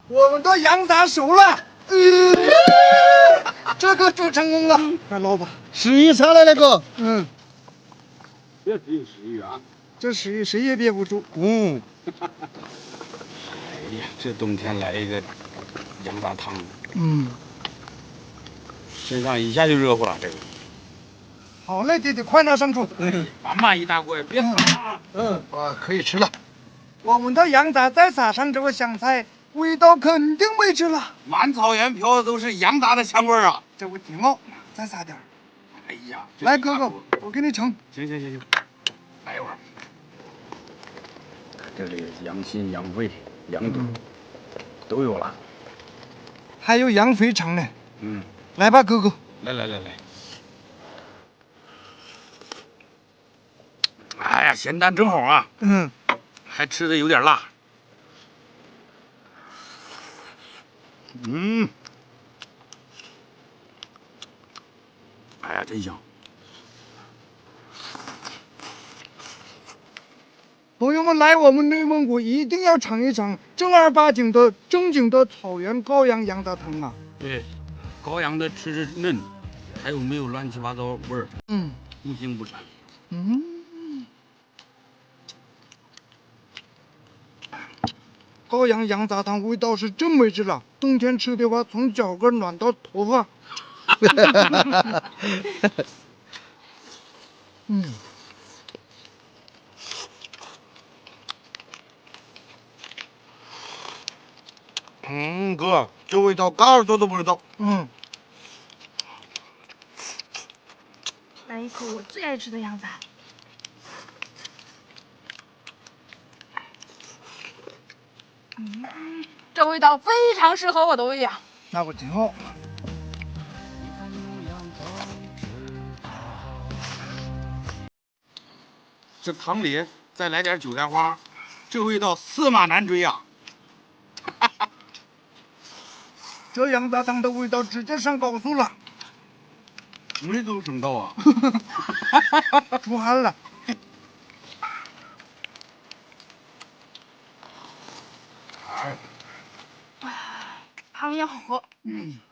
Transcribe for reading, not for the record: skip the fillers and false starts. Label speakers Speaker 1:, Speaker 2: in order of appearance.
Speaker 1: 我们的羊杂熟了，这个煮成功了，快捞吧。
Speaker 2: 十一下来了哥，
Speaker 3: 别只有11啊！
Speaker 1: 这11谁也憋不住。
Speaker 3: 哎呀，这冬天来一个羊杂汤，身上一下就热乎了。这个，
Speaker 1: 好嘞，弟弟，快拿上桌。
Speaker 3: 满满一大锅，别撒。
Speaker 2: 哇，可以吃了。
Speaker 1: 我们的羊杂再撒上这个香菜，味道肯定没吃了。
Speaker 3: 满草原飘的都是羊杂的香味儿啊！
Speaker 1: 这味挺好，再撒点儿。
Speaker 3: 哎呀，
Speaker 1: 来，哥哥，我给你盛。
Speaker 3: 行，来一会儿。这里羊心、羊肺、羊肚都有了。
Speaker 1: 还有羊肥肠呢。
Speaker 3: 嗯，
Speaker 1: 来吧，哥哥。
Speaker 3: 来。哎呀，咸淡正好啊。还吃的有点辣。哎呀，真香！
Speaker 1: 朋友们，来我们内蒙古一定要尝一尝正儿八经的正经的草原羔羊羊杂汤啊！
Speaker 3: 对，羔羊的吃嫩，还有没有乱七八糟味儿？不腥不膻。
Speaker 1: 羔羊羊杂汤味道是真没治了，冬天吃的话，从脚跟暖到头发。
Speaker 2: 哥，这味道嘎耳朵都不知道。
Speaker 4: 来一口我最爱吃的羊杂。这味道非常适合我的胃呀。
Speaker 1: 那我挺好。
Speaker 3: 这汤里再来点韭菜花，这味道驷马难追呀！
Speaker 1: 这羊杂汤的味道直接上高速了，
Speaker 3: 没都省到啊！
Speaker 1: 出汗了。
Speaker 4: 汤也好喝。